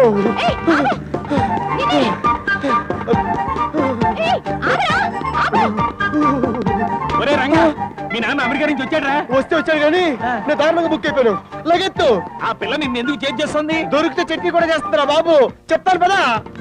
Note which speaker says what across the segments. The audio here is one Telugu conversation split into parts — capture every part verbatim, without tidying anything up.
Speaker 1: ఒరే రంగా, మీ నాన్న అమెరికా నుంచి వచ్చాడ్రా?
Speaker 2: వస్తే వచ్చాడు కానీ నేను దారుణంగా బుక్ అయిపోయాను. లగెత్తు.
Speaker 1: ఆ పిల్ల నిన్ను ఎందుకు చేంజ్ చేస్తుంది?
Speaker 2: దొరికితే చట్నీ కూడా చేస్తుందిరా బాబు. చెప్తాను పదా.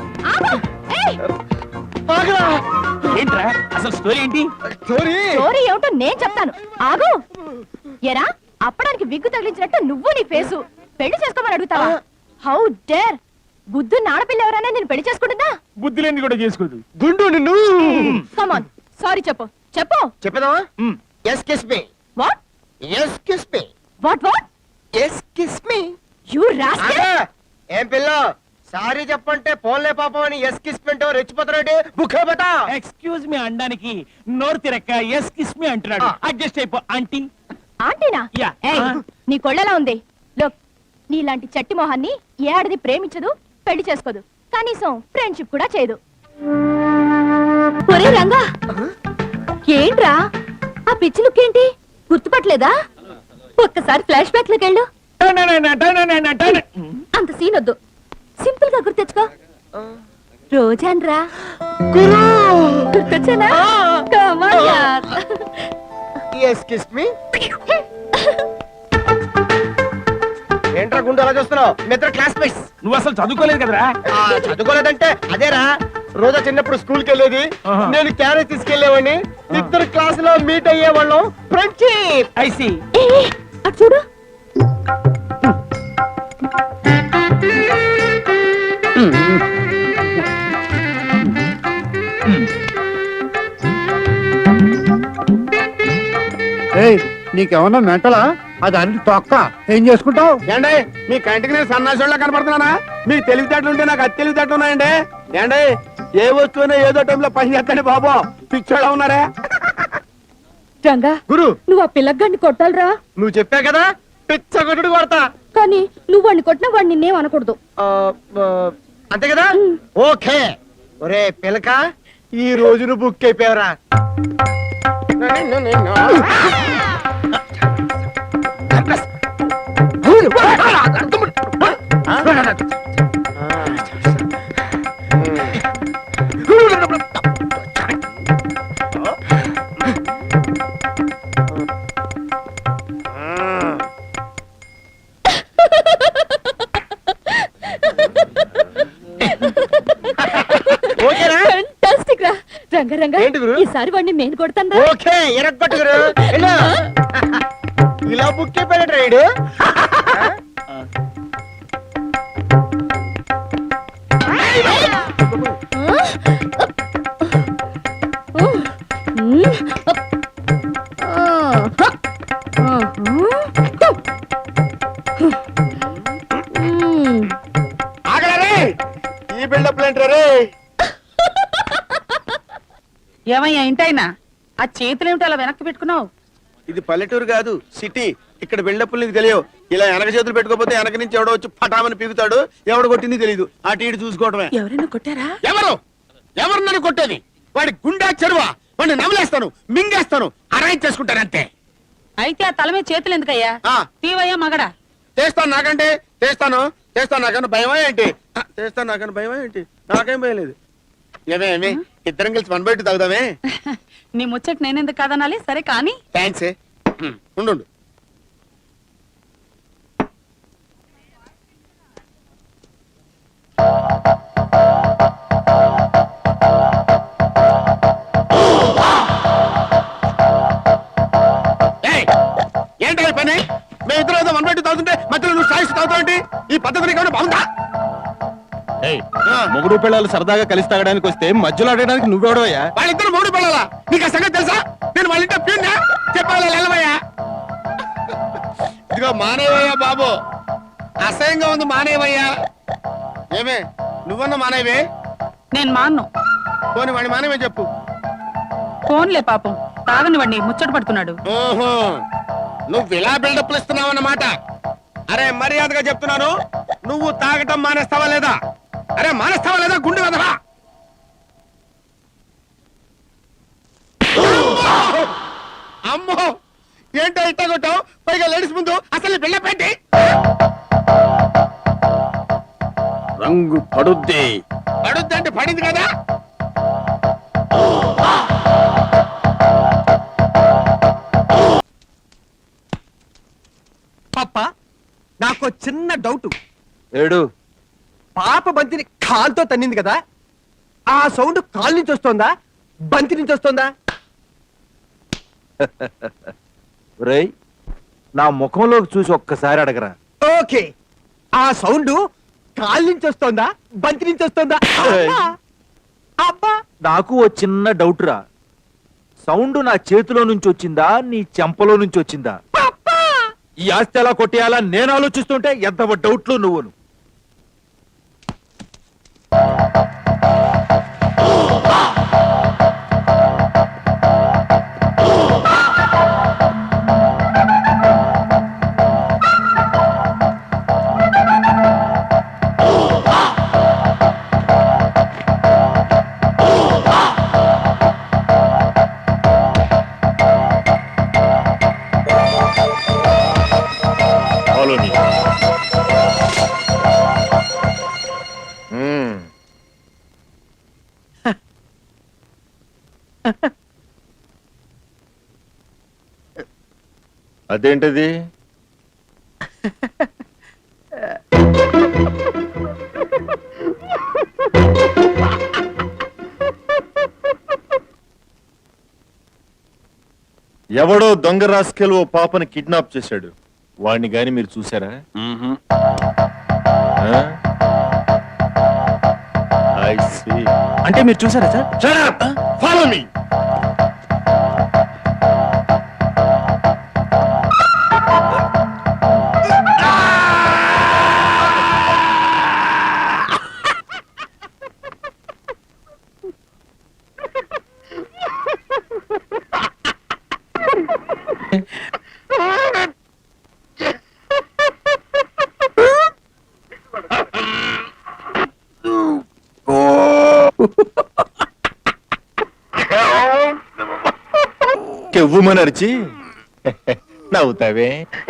Speaker 1: ఏంట్రా అసలు స్టోరీ ఏంటి?
Speaker 2: స్టోరీ
Speaker 3: స్టోరీ ఏమిటో నేను చెప్తాను, ఆగు. ఎరా, అప్పడానికి విగ్గు తగిలించినట్టు నువ్వు నీ ఫేసు పెళ్లి చేసుకోమని అడుగుతావా? How dare! బుద్ధున్న ఆడపిల్ల ఎవరైనా నేను పెళ్లి చేసుకుంటుందా?
Speaker 1: బుద్ధి లేని కూడా చేసుకోదు.
Speaker 2: గుండు నిన్ను.
Speaker 3: కమాన్, సారీ చెప్పు చెప్పు.
Speaker 2: చెప్పేదావా? Yes kiss me.
Speaker 3: What?
Speaker 2: Yes kiss me.
Speaker 3: What what?
Speaker 2: Yes kiss me.
Speaker 3: You rascal!
Speaker 2: ఏం పిల్ల, సారీ చెప్పంటే పోన్లే పాపం అని ఎస్ కిస్ పింటో రెచ్చిపోతారంటే బుక్కే బట.
Speaker 1: ఎక్స్క్యూజ్ మీ అండానికి నోరు తిరక్క ఎస్ కిస్ మీ అంటున్నాడు. అడ్జస్ట్ అయిపో ఆంటీ.
Speaker 3: ఆంటీనా?
Speaker 1: యా.
Speaker 3: ఏయ్, నీ కొళ్ళలా ఉంది. లోక్, నీలాంటి చట్టి మొహాన్ని ఏ ఆడది ప్రేమించదు, పెళ్లి చేసుకోదు, కనీసం ఫ్రెండ్షిప్ కూడా చేయదు. ఒరే రంగా, ఏంట్రా ఆ పిచ్చి లుక్ ఏంటి? గుర్తుపట్టలేదా? ఒక్కసారి ఫ్లాష్ బ్యాక్ లోకి వెళ్ళు. అంత సీన్ వద్దు, సింపుల్ గా గుర్తెచ్చుకో. రోజాన్రా గుర్తొచ్చానా? Come on, yaar.
Speaker 2: Yes kiss me. ఏంట్రా గుండు అలా చూస్తున్నావు? మిత్ర క్లాస్మేట్స్.
Speaker 1: నువ్వు అసలు చదువుకోలేదు కదరా?
Speaker 2: చదువుకోలేదంటే అదేరా, రోజా చిన్నప్పుడు స్కూల్ కి వెళ్ళేది, నేను క్యారేజ్ తీసుకెళ్లేవాడిని, ఇద్దరు క్లాస్ లో మీట్ అయ్యేవాళ్ళం. ఫ్రెండ్షిప్.
Speaker 1: I see.
Speaker 3: అటు చూడు.
Speaker 4: నీకేమన్నా మెంటలా? అది అన్ని తొక్క ఏం చేసుకుంటావు?
Speaker 2: ఏండే, మీ కంటికి నేను సన్నాసోళ్ళ కనపడుతున్నానా? మీ తెలివితేటలు ఉంటే నాకు అది తెలివితేటలు ఉన్నాయండి. ఏండే, ఏ వస్తువునే ఏదో టైంలో పని చేస్తాండి బాబు. పిచ్చోడా ఉన్నారా?
Speaker 3: రంగా
Speaker 2: గురు,
Speaker 3: నువ్వు ఆ పిల్లగాడిని కొట్టాలరా.
Speaker 2: నువ్వు చెప్పా కదా పిచ్చ కొట్టుడు కొడతా.
Speaker 3: కానీ నువ్వు వాడిని కొట్టినా వాడు నిన్నేం అనకూడదు.
Speaker 2: అంతే కదా? ఓకే. ఒరే పిలక, ఈ రోజు నువ్వు బుక్ అయిపోయావరా.
Speaker 3: ఈసారి వాడిని నేను కొడతాను.
Speaker 2: ఓకే, ఎరగొట్టుగురు. ఇలా బుక్ అయిపోయాడు రైడు. ఆగలరే, ఈ బిల్డప్ ఏంటారే?
Speaker 5: ఏమయ్యా ఇంటైనా ఆ చేతులేమిటి అలా వెనక్కి పెట్టుకున్నావు?
Speaker 2: ఇది పల్లెటూరు కాదు, సిటీ. ఇక్కడ బిల్డప్లు నీకు తెలియవు. ఇలా వెనక చేతులు పెట్టుకోపోతే వెనక నుంచి ఎవడో వచ్చి పటామని పీకుతాడు. ఎవడు కొట్టింది తెలియదు. అటు ఇటు చూసుకోవడమే.
Speaker 5: ఎవరైనా కొట్టారా?
Speaker 2: ఎవరు ఎవరు నన్ను కొట్టేది? వాడి గుండా చెరువా? వాడిని నమలేస్తాను, మింగేస్తాను, అరేంజ్ చేసుకుంటాను అంతే.
Speaker 5: అయితే ఆ తల మీద చేతులు ఎందుకయ్యా? తీవయ్యా మగడా.
Speaker 2: చేస్తాను, నాకంటే చేస్తాను చేస్తాను నాకన్నా భయమా ఏంటి? చేస్తాను నాకన్నా భయమా ఏంటి? నాకేం భయలేదు. ఏమేమి ఇద్దరం కలిసి వన్ బై టూ తాగుదామే?
Speaker 5: నీ ముచ్చట నేనెందుకు కాదనాలి? సరే కానీ.
Speaker 2: థ్యాంక్స్. ఉండు. ఏంటో ఈ పని? మేము ఇద్దరు ఏదో వన్ బై టూ తాగుతుంటే మధ్యలో నువ్వు సాయిస్తూ తాగుతావేంటి? ఈ పద్ధతి నీకు బాగుందా?
Speaker 6: మొగుడు పిల్లలు సరదాగా కలిసి తాగడానికి వస్తే మధ్యలో ఆడడానికి నువ్వెవడవయ్యా?
Speaker 2: వాళ్ళిద్దరు మొగుడు పిల్లలా? నీకు ఆ సంగతి తెలుసా? నేను వాళ్ళ ఇంట్లో ప్యూన్నా? చెప్పాలి వెళ్ళవయ్యా. ఇదిగో మానేవయ్యా బాబు, అసహ్యంగా ఉంది, మానేవయ్యా. ఏమే నువ్వన్న మానేవే?
Speaker 5: నేను మాన్ను.
Speaker 2: పోనీ వాడి మానేవే చెప్పు.
Speaker 5: ఫోన్లే పాపం, తాగని వాడిని ముచ్చట పడుతున్నాడు.
Speaker 2: ఓహో, నువ్వు ఇలా బిల్డప్లు ఇస్తున్నావు అన్నమాట. అరే మర్యాదగా చెప్తున్నాను, నువ్వు తాగటం మానేస్తావా లేదా? అరే మానేస్తావా లేదా? గుండె వదరా. అమ్మో, ఏంటో ఇట్ట కొట్టావు? పైగా లేడీస్ ముందు అసలు బిల్డప్ ఏంటి?
Speaker 6: రంగ
Speaker 2: పడుద్ది పడుద్ది అంటే పడింది కదా.
Speaker 7: పాప నాకు చిన్న డౌట్.
Speaker 6: ఏడు
Speaker 7: పాప బంతిని కాల్తో తన్నింది కదా, ఆ సౌండ్ కాల్ నుంచి వస్తోందా బంతి నుంచి వస్తోందా?
Speaker 6: రేయ్ నా ముఖంలోకి చూసి ఒక్కసారి అడగరా.
Speaker 7: ఓకే, ఆ సౌండ్ కాల్ నుంచి వస్తోందా బంతి నుంచి వస్తోందా? అబ్బా! అబ్బా
Speaker 6: నాకు ఓ చిన్న డౌట్ రా. సౌండ్ నా చేతిలో నుంచి వచ్చిందా నీ చెంపలో నుంచి వచ్చిందా? ఈ ఆస్తి ఎలా కొట్టేయాలా నేను ఆలోచిస్తుంటే ఎంత డౌట్లు నువ్వును.
Speaker 8: అదేంటది? ఎవడో దొంగ రాస్కెల్ ఓ పాపని కిడ్నాప్ చేశాడు. వాడిని గాని మీరు చూసారా? I see.
Speaker 6: అంటే మీరు చూసారా sir?
Speaker 2: Shut up! Follow me!
Speaker 8: కెవ్వుమని అరిచి నవ్వుతావే.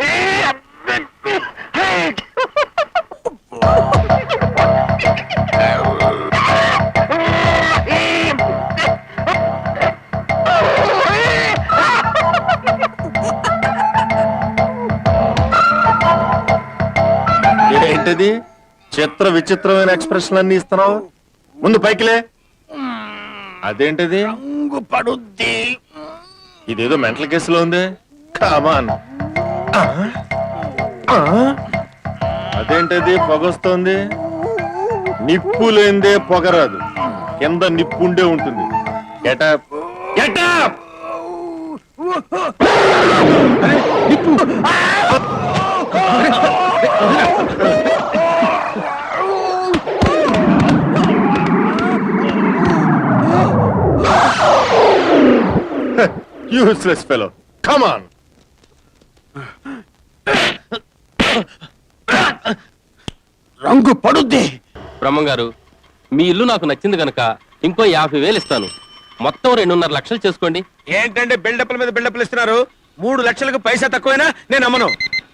Speaker 8: ఏంటది చిత్ర విచిత్రమైన ఎక్స్ప్రెషన్ అన్ని ఇస్తున్నావు? ముందు పైకిలే. అదేంటది?
Speaker 2: రంగు పడుద్ది.
Speaker 8: ఇదేదో మెంటల్ కేసులో ఉంది. కామాన్. అదేంటది పొగొస్తోంది? నిప్పు లేందే పొగరాదు. కింద నిప్పుండే ఉంటుంది. Get up get up. Useless fellow. Come on.
Speaker 2: రంగు పడుద్ది.
Speaker 9: బ్రహ్మంగారు, మీ ఇల్లు నాకు నచ్చింది గనక ఇంకో యాభై వేలు ఇస్తాను. మొత్తం రెండున్నర లక్షలు చేసుకోండి.
Speaker 2: ఏంటంటే బిల్డప్ల మీద బిల్డప్లు ఇస్తున్నారు? మూడు లక్షలకు పైసా తక్కువైనా నేను అమ్మను.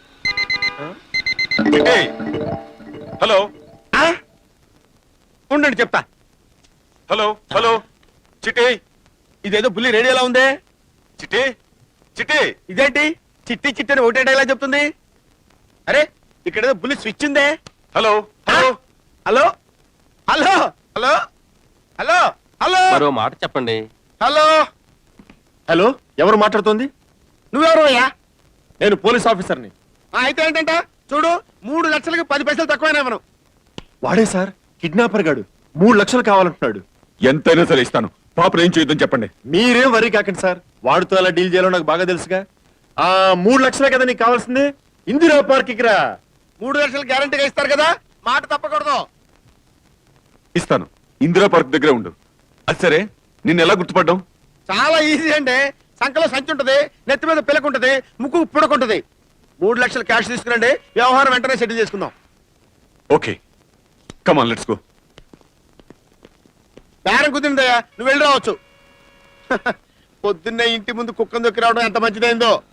Speaker 8: హలో
Speaker 2: ఆ? ఉండండి చెప్తా.
Speaker 8: హలో హలో చిట్టి
Speaker 2: ఇదేదో బుల్లి రేడియోలా ఉందే.
Speaker 8: చిట్టి చిట్టి.
Speaker 2: ఇదేంటి చిట్టి చిట్టి అని ఒకటే డైలాగ్ చెప్తుంది? అరే ఇక్కడ ఏదో బుల్లి స్విచ్ ఉందే.
Speaker 8: Hello
Speaker 2: hello hello hello hello hello hello
Speaker 9: మరో మాట చెప్పండి.
Speaker 2: హలో
Speaker 8: హలో ఎవరు మాట్లాడుతోంది?
Speaker 2: నువ్వెవరు అయ్యా?
Speaker 8: నేను పోలీస్ ఆఫీసర్ని.
Speaker 2: ఆ, అయితే ఏంటంట చూడు, మూడు లక్షలకి పది పైసలు తక్కువైనా ఇవ్వను.
Speaker 8: వాడే సార్ కిడ్నాపర్ గాడు. మూడు లక్షలు కావాలంటున్నాడు.
Speaker 6: ఎంతైనా సరే ఇస్తాను. పాపను ఏం చేయొద్దని చెప్పండి.
Speaker 8: మీరేం వరీ కాకండి సార్. వాడితో ఎలా డీల్ చేయాలో నాకు బాగా తెలుసుగా. ఆ మూడు లక్షలే కదా నీకు కావాల్సింది. ఇందిరా పార్క్ రా.
Speaker 2: మూడు లక్షలు గ్యారంటీగా ఇస్తారు కదా, మాట తప్పకూడదు.
Speaker 6: ఇస్తాను. ఇందిరా పార్క్ దగ్గరే ఉండు. అది సరే, నిన్ను ఎలా గుర్తుపడ్డాం?
Speaker 2: చాలా ఈజీ అండి. సంకలో సంచి ఉంటది, నెత్తి మీద పిల్లకుంటది, ముక్కు పుడకుంటది. మూడు లక్షలు క్యాష్ తీసుకురండి, వ్యవహారం వెంటనే సెటిల్ చేసుకుందాం.
Speaker 6: Okay, come on let's go.
Speaker 2: బేరం కుదిరిందయ్యా, నువ్వు వెళ్ళి రావచ్చు. పొద్దున్నే ఇంటి ముందు కుక్కను దొక్కి రావడం ఎంత మంచిదైందో.